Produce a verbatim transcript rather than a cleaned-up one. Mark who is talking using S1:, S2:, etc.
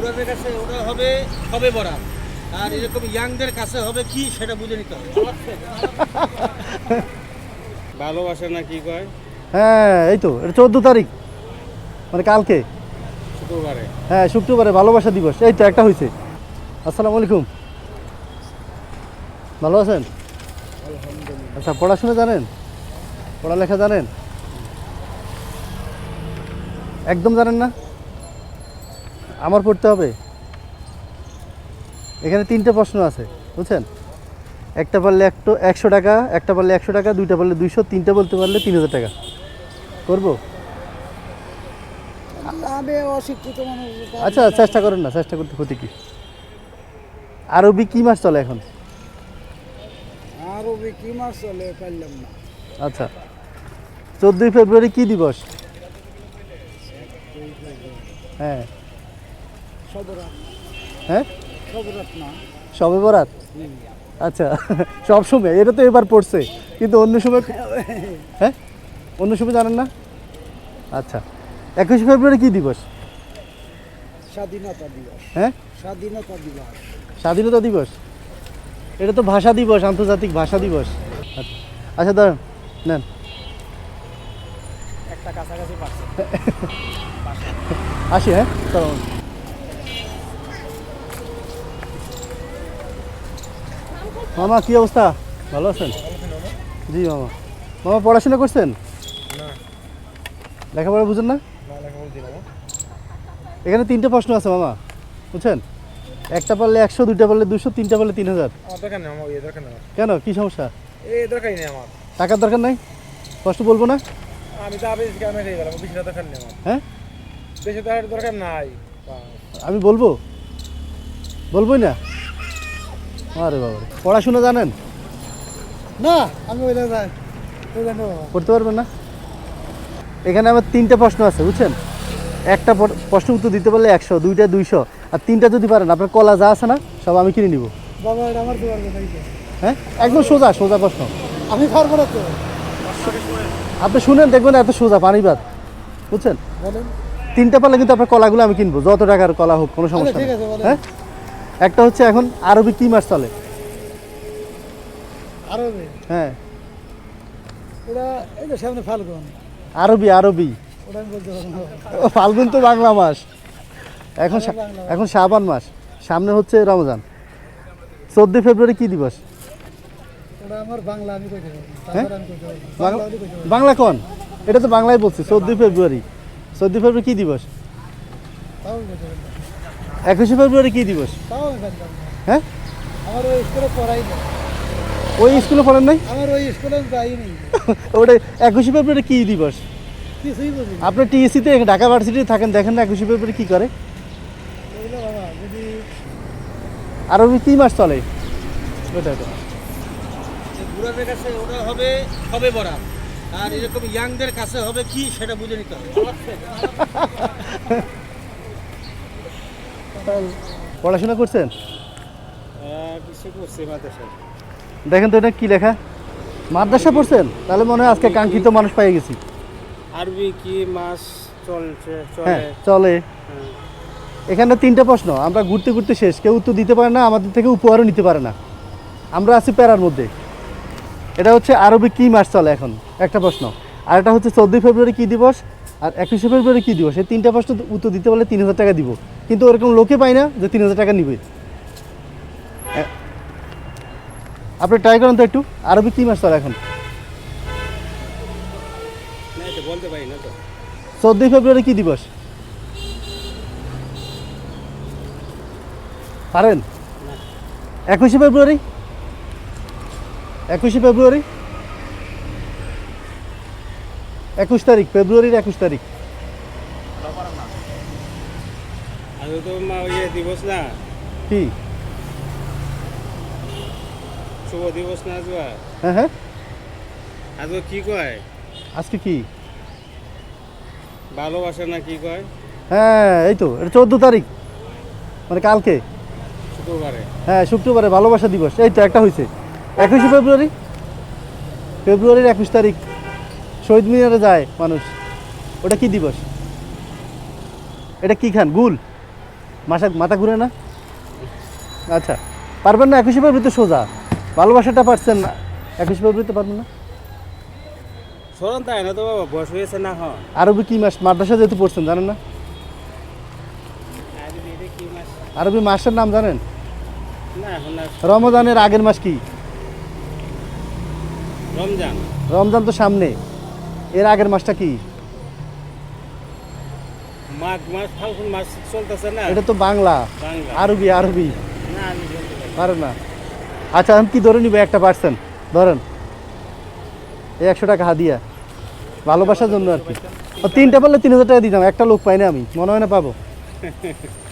S1: বুড়াদের কাছে ওটা হবে সবে বরাত, আর এরকম ইয়াংদের কাছে হবে কি সেটা বুঝে নিতে হবে। ভালোবাসা না কি কয়?
S2: হ্যাঁ এই তো এটা চোদ্দো তারিখ মানে কালকে
S1: শুক্রবারে।
S2: হ্যাঁ শুক্রবারে ভালোবাসা দিবস এই তো একটা হয়েছে। আসসালামু আলাইকুম, ভালো আছেন? আচ্ছা পড়াশোনা জানেন, পড়ালেখা জানেন? একদম জানেন না? আমার পড়তে হবে। এখানে তিনটে প্রশ্ন আছে বুঝছেন, একটা পারলে একটু একশো টাকা, একটা পারলে একশো টাকা, দুইটা পারলে দুইশো, তিনটা বলতে পারলে তিন হাজার টাকা। করবো?
S3: আমি অশিক্ষিত মানুষ।
S2: আচ্ছা চেষ্টা করেন না, চেষ্টা করতে ক্ষতি কি? আরবি কি মাস চলে এখন?
S3: আরবি কি মাস চলে পারলাম না।
S2: আচ্ছা চোদ্দোই ফেব্রুয়ারি কি দিবস? হ্যাঁ
S3: সবরাত।
S2: হ্যাঁ
S3: সবরাত না।
S2: শবে বরাত। আচ্ছা সব সময় এটা তো এবার পড়ছে, কিন্তু অন্য সময় হ্যাঁ অন্য সময় জানেন না? আচ্ছা একুশে ফেব্রুয়ারি কি দিবস?
S3: স্বাধীনতা দিবস।
S2: হ্যাঁ
S3: স্বাধীনতা দিবস।
S2: স্বাধীনতা দিবস। এটা তো ভাষা দিবস, আন্তর্জাতিক ভাষা দিবস। আচ্ছা আচ্ছা দাঁড়ান নেন।
S1: একটা কাছাকাছি পাচ্ছে।
S2: আসি হ্যাঁ চলো। মামা কি অবস্থা, ভালো আছেন? জি মামা। মামা পড়াশোনা করছেন?
S1: না
S2: লেখাপড়া বুঝেন না?
S1: না লেখা বলছি না।
S2: এখানে তিনটে প্রশ্ন আছে মামা বুঝছেন, একটা পারলে একশো, দুইটা পারলে দুশো, তিনটা পারলে তিন হাজার।
S1: আমার দরকার নেই, আমার এই দরকার নেই।
S2: কেন কি সমস্যা?
S1: এই দরকারই নেই আমার।
S2: টাকার দরকার নাই? কষ্ট বলবো না?
S1: আমি তো আবেশ গ্রামে থেকে গেলাম, বেশি দরকার নেই আমার।
S2: হ্যাঁ
S1: বেশি টাকার দরকার নাই।
S2: আমি বলবো, বলবোই না? আরে বাবা পড়াশোনা জানেন?
S3: না আমি ওইটা যাই ওইটা নেবো।
S2: করতে পারবেন না? এখানে আমার তিনটে প্রশ্ন আছে বুঝছেন, একটা প- প্রশ্ন উত্তর দিতে পারলে একশো, দুইটা দুইশো, আর তিনটা যদি পারেন আপনার কলা যা আছে না সব আমি কিনে নিব।
S3: বাবা এটা আমার দেওয়ার কথা এই তো।
S2: হ্যাঁ একদম সোজা সোজা প্রশ্ন,
S3: আমি পারবো না তো।
S2: আপনি শুনেন দেখবেন এত সোজা পানিবাদ বুঝছেন।
S3: বলেন।
S2: তিনটা পারলে কিন্তু আপনার কলাগুলো আমি কিনবো, যত টাকার কলা হোক কোনো সমস্যা
S3: আচ্ছা, ঠিক
S2: নেই।
S3: আছে, বলেন।
S2: হ্যাঁ একটা হচ্ছে এখন আরবি কি মাস চলে?
S3: আরবি
S2: হ্যাঁ
S3: ওটা এই যে সামনে ফাল্গুন।
S2: আরবি আরবি
S3: ওটা আমি বলতে পারবো না।
S2: ও, ফাল্গুন তো বাংলা মাস, এখন শা-
S3: বাংলা মাস।
S2: এখন শাবান মাস, সামনে হচ্ছে রমজান। চোদ্দই ফেব্রুয়ারি কি দিবস?
S3: ওটা আমার বাংলা আমি কইতে পারবো।
S2: হ্যাঁ?
S3: তারপরে আমি কইতে পারবো।
S2: বাংলা
S3: বাংলা আমি কইতে পারবো।
S2: বাংলা কোন? এটা তো বাংলায় বলছি চোদ্দই ফেব্রুয়ারি। চোদ্দই ফেব্রুয়ারি কি দিবস?
S3: তাও আমি কইতে পারবো না।
S2: একুশে ফেব্রুয়ারি কি দিবস?
S3: তাও আমি পারলাম না।
S2: হ্যাঁ
S3: আমার ওই স্কুলে পড়াই না।
S2: ওই স্কুলে পড়েন নাই?
S3: আমার ওই স্কুলে আমি যাই নেই।
S2: ওটা একুশে ফেব্রুয়ারি কি দিবস?
S3: কিছুই বুঝি না।
S2: আপনি টিএসসিতে ঢাকা ভার্সিটিতে থাকেন, দেখেন না একুশে ফেব্রুয়ারি কি করে?
S3: এগুলো বাবা যদি
S2: আরবি কি মাস চলে? ওটা ওটা।
S1: বুড়াদের কাছে ওটা হবে সবে বরাত, আর এরকম ইয়াংদের কাছে হবে কি সেটা বুঝে নিতে হবে।
S2: পড়াশোনা করছেন?
S1: কিছু করছে মাদ্রাসা।
S2: দেখেন তো এটা কি লেখা, মাদ্রাসা পড়ছেন? তাহলে মনে হয় আজকে কাঙ্ক্ষিত মানুষ পেয়ে গেছি।
S1: আরবি কি মাস চলছে
S2: হ্যাঁ
S1: চলে?
S2: চলে।
S1: হ্যাঁ।
S2: এখানে তিনটে প্রশ্ন, আমরা ঘুরতে ঘুরতে শেষ, কেউ উত্তর দিতে পারে না, আমাদের থেকে উপহারও নিতে পারে না, আমরা আছি প্যারার মধ্যে। এটা হচ্ছে আরবি কি মাস চলে এখন একটা প্রশ্ন, আর এটা হচ্ছে চোদ্দোই ফেব্রুয়ারি কী দিবস, আর একুশে ফেব্রুয়ারি কী দিবস। এই তিনটা প্রশ্ন উত্তর দিতে পারলে তিন হাজার টাকা দিব, কিন্তু ওরকম লোকে পাই না যে তিন হাজার টাকা নিবে। এ- আপনি ট্রাই করেন তো একটু, আরবি কি মাস চলে এখন?
S1: না এটা বলতে পারি না তো।
S2: চোদ্দোই ফেব্রুয়ারি কী দিবস পারেন? একুশে ফেব্রুয়ারি, একুশে ফেব্রুয়ারি, একুশ তারিখ, ফেব্রুয়ারির একুশ তারিখ।
S1: আজ তো মা ইয়ে দিবস না,
S2: কি?
S1: শুভ দিবস না আজ?
S2: হ্যাঁ হ্যাঁ
S1: আজ কি কয়?
S2: আজকে কি?
S1: ভালোবাসা না কি কয়?
S2: হ্যাঁ এই তো এটা চোদ্দো তারিখ মানে কালকে
S1: শুক্রবারে।
S2: হ্যাঁ শুক্রবারে ভালোবাসা দিবস এই তো একটা হয়েছে। একুশে ফেব্রুয়ারি, ফেব্রুয়ারির একুশ তারিখ শহীদ মিনারে যায় মানুষ, ওটা কি দিবস? এটা কি খান? গুল? মাসা মাথা ঘুরে না? আচ্ছা, পারবেন না? একুশে ফেব্রুয়ারি সোজা ভালোবাসাটা পারছেন না, একুশে ফেব্রুয়ারিতে পারবেন না?
S1: স্মরণ তাই না তো বাবা, বয়স হয়েছে না হয়।
S2: আরবি কি মাস? মাদ্রাসা যেহেতু পড়ছেন জানেন না? আরবি মাসের নাম জানেন?
S1: না এখন আর
S2: রমজানের আগের মাস কি?
S1: রমজান।
S2: রমজান তো সামনে, এর আগের মাসটা কি?
S1: মাঘ মাস, ফাল্গুন মাস চলতেছে না।
S2: এটা তো বাংলা।
S1: বাংলা।
S2: আরবি আরবি
S1: না আমি বলতে পারি না।
S2: পারেন না? আচ্ছা, আমি কি ধরে নিবে? একটা পার্সেন্ট ধরেন, এই একশো টাকা হাদিয়া ভালোবাসার জন্য আর কি। ও, তিনটা বললে তিন হাজার টাকা দিতাম, একটা লোক পাই না আমি, মনে হয় না পাবো।